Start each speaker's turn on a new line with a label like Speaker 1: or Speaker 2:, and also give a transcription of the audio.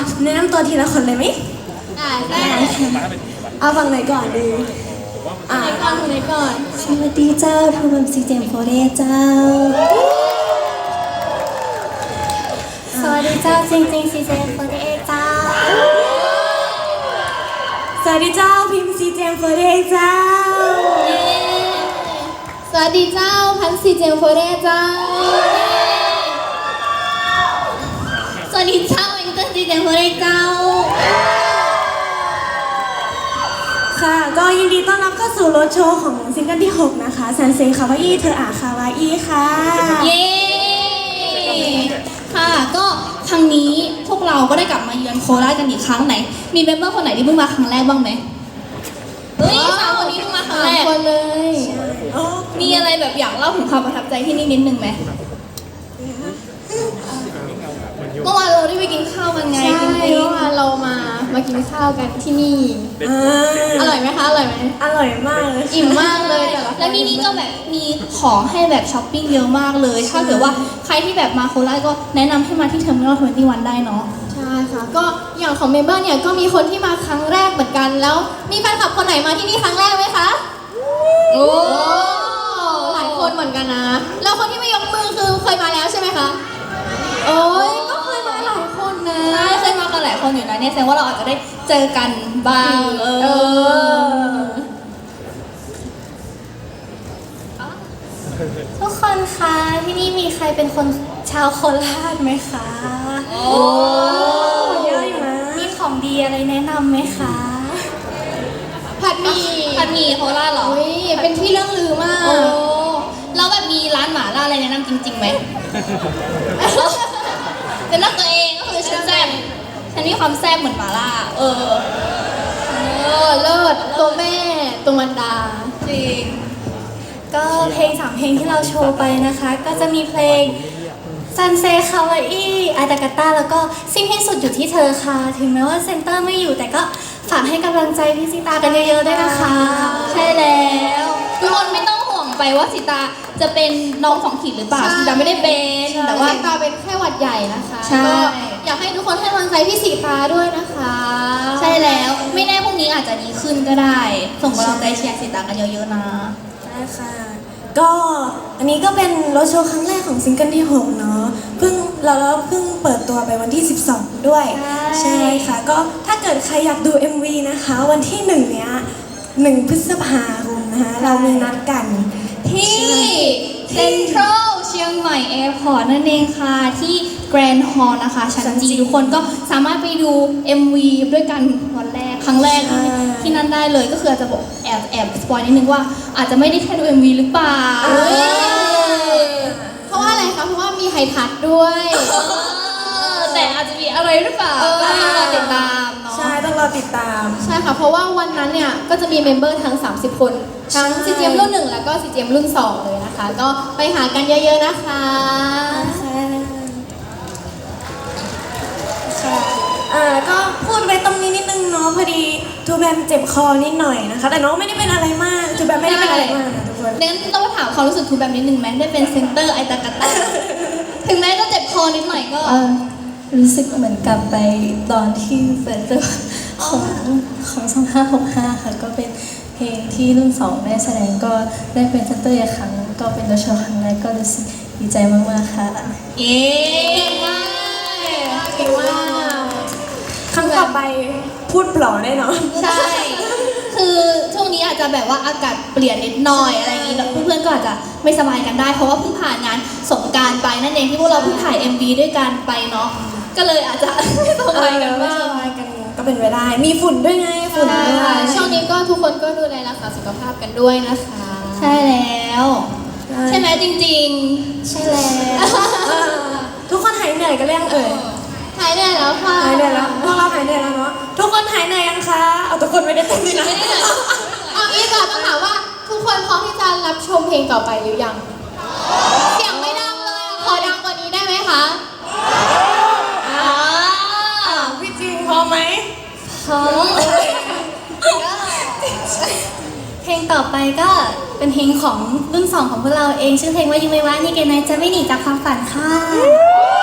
Speaker 1: แนะนำตัวทีละคนเลยไหม
Speaker 2: ได้
Speaker 1: เอาฝั่งไหนก่อนดี
Speaker 2: คนไหนก่อน
Speaker 1: สวัสดีเจ้าทูบัมซีเจมโฟเรเจ้า
Speaker 2: สวัสดีเจ้าจริงๆซีเจมโฟเรเจ้า
Speaker 1: สวัสดีเจ้าพิมพ์ซีเจมโฟเรเจ้า
Speaker 2: สวัสดีเจ้าพันซีเจมโฟเรเจ้าสวัสดีเจ้าเอ็งเกิลซีเจมโฟเรเจ้า
Speaker 1: ค่ะก็ยินดีต้อนรับเข้าสู่รถโชว์ของซิงเกิลที่6นะคะซันเซ็คาวาอี้เธออาคาวาอี้ค่ะ
Speaker 2: เย้ค่ะก็ครั้งนี้พวกเราก็ได้กลับมาเยือนโคราชกันอีกครั้งไหนมีเมมเบอร์คนไหนที่เพิ่งมาครั้งแรกบ้างไหมเฮ้ยสามคนนี้เพิ่งมาครั้งแรกคนเลยมีอะไรแบบอยากเล่าถึงความประทับใจที่นี่นิดนึงไหมเมื่อวานเราได้ไปกินข้าวกันไงเมื่อวานเรามากินข้าวกันที่นี่อร่อยไหมคะอร่อยไหม
Speaker 1: อร่อยมากเลย
Speaker 2: อิ่มมากเลยแล้วที่นี่ก็แบบมีของให้แบบช้อปปิ้งเยอะมากเลยถ้าเกิดว่าใครที่แบบมาโคราชก็แนะนำให้มาที่เทอร์มินอล21ได้เนาะใช่ค่ะก็อย่างของเมมเบอร์เนี่ยก็มีคนที่มาครั้งแรกเหมือนกันแล้วมีแฟนคลับคนไหนมาที่นี่ครั้งแรกไหมคะโอ้หลายคนเหมือนกันนะแล้วคนที่ไม่ยกมือคือเคยมาแล้วใช่ไหมคะโอ้ยก็เคยมาหลายคนนะใช่เคยมากันหลายคนอยู่นะเนี่ยแสดงว่าเราอาจจะได้เจอกันบ้างทุกคนคะที่นี่มีใครเป็นคนชาวโคราชไหมคะโอ้
Speaker 1: เยอะอยู่นะ
Speaker 2: มีของดีอะไรแนะนำไหมคะผัดหมี่โคราชเหรออุ้ยเป็นที่เรื่องลือมากแล้วแบบมีร้านหม่าล่าอะไรแนะนำจริงๆไหมเป็นรักตัวเองก็คือฉันแซ่บฉันมีความแซ่บเหมือนหม่าล่าเลิศตัวแม่ตัวมันดาจริงก็เพลง3เพลงที่เราโชว์ไปนะคะก็จะมีเพลงซันเซ็คาวาอี้อาตากาต้าแล้วก็สิ้นที่สุดอยู่ที่เธอค่ะถึงแม้ว่าเซนเตอร์ไม่อยู่แต่ก็ฝากให้กำลังใจพี่สิตากันเยอะๆด้วยนะคะใช่แล้วทุกคนไม่ต้องห่วงไปว่าสิตาจะเป็นน้อง2 ขีดหรือเปล่าสิตาไม่ได้เป็นแต่ว่าสิตาเป็นแค่หวัดใหญ่นะคะก็อยากให้ทุกคนให้กำลังใจพี่สิตาด้วยนะคะใช่แล้วไม่แน่พรุ่งนี้อาจจะดีขึ้นก็ได้ส่งกำลังใจเชียร์สิตากันเยอะๆนะ
Speaker 1: ใช่ค่ะก็อันนี้ก็เป็นรถโชว์ครั้งแรกของซิงเกิลที่6เนาะเราเพิ่งเปิดตัวไปวันที่12ด้วยใช่ค่ะก็ถ้าเกิดใครอยากดู MV นะคะวันที่1เนี้ย1 พฤษภาคมนะคะเรามีนัดกัน
Speaker 2: ที่เซ็นทรัลเชียงใหม่แอร์พอร์ตนั่นเองค่ะที่แกรนด์ฮอลล์นะคะชั้นจีทุกคนก็สามารถไปดู MV ด้วยกันวันแรกครั้งแรกที่นั่นได้เลยก็คืออาจจะบอกแอบสปอยนิดนึงว่าอาจจะไม่ได้แค่ดู MV หรือเปล่าเพราะว่าอะไรคะเพราะว่ามีไฮทัชด้วยแต่อาจจะมีอะไรหรือเปล่าก็ต้องรอติดตามเนาะ
Speaker 1: ใช่ต้องรอติดตาม
Speaker 2: ใช่ค่ะเพราะว่าวันนั้นเนี่ยก็จะมีเมมเบอร์ทั้ง30 คนทั้ง CGM รุ่น 1แล้วก็ CGM รุ่น 2เลยนะคะก็ไปหากันเยอะๆนะคะ
Speaker 1: ก็พูดไปตรงนี้นิดนึงเนาะพอดีทูแบมเจ็บคอนิดหน่อยนะคะแต่น้องไม่ได้เป็นอะไรมากทูแบมไม่ได้เป็นอะไรมากนะทุกคน
Speaker 2: งั้นต้องมาถามความรู้สึกทูแบมนิดนึงไหมได้เป็นเซนเตอร์ไอตากาตาถึงแม้จะเจ็บคอนิดหน่อยก็
Speaker 3: รู้สึกเหมือนกลับไปตอนที่เปิดตัวของ2565ค่ะก็เป็นเพลงที่รุ่น2ได้แสดงก็ได้เป็นเซนเตอร์อีกครั้งก็เป็นตัวโชว์ครั้งแรกก็รู้สึกดีใจมากๆค่ะ
Speaker 2: เย้เก่งมาก
Speaker 1: ครั้งต่อไปพูดปล่อแน่นอน
Speaker 2: ใช่คือช่วงนี้อาจจะแบบว่าอากาศเปลี่ยนนิดหน่อยอะไรอย่างนี้เพื่อนๆก็อาจจะไม่สบายกันได้เพราะว่าเพิ่งผ่านงานสงกรานต์ไปนั่นเองที่พวกเราเพิ่งถ่าย MV ด้วยกันไปเนาะก็เลยอาจจะไม่สบายกันบ้าง
Speaker 1: ก็เป็นไปได้มีฝุ่นด้วยไงฝุ่นด้วย
Speaker 2: ช่วงนี้ก็ทุกคนก็ดูแลรักษาสุขภาพกันด้วยนะคะใช่แล้วใช่ไหมจริงๆ
Speaker 1: ใช่แล้วทุกคนหายเหนื่อยกันหรือยัง
Speaker 2: หายเหนื่อยแล้วค่ะ
Speaker 1: หายเหนื่อยแล้วพวกเราหายเหนื่อยแล้วเนาะทุกคนหายเหนื่อยยังคะเอาทุกคนไม่ได้เต็มที่นะ
Speaker 2: เอาอีกก่อนต้องถามว่าทุกคนพร้อมที่จะรับชมเพลงต่อไปหรือยังเสียงไม่ดังเลยขอดังกว่านี้ได้ไหมคะ
Speaker 1: พี่จริงพร้อมไหม
Speaker 2: พร้อมเพลงต่อไปก็เป็นเพลงของรุ่น2ของพวกเราเองชื่อเพลงว่ายูไม่ว่านี่เกนไนจะไม่หนีจากความฝันค่ะ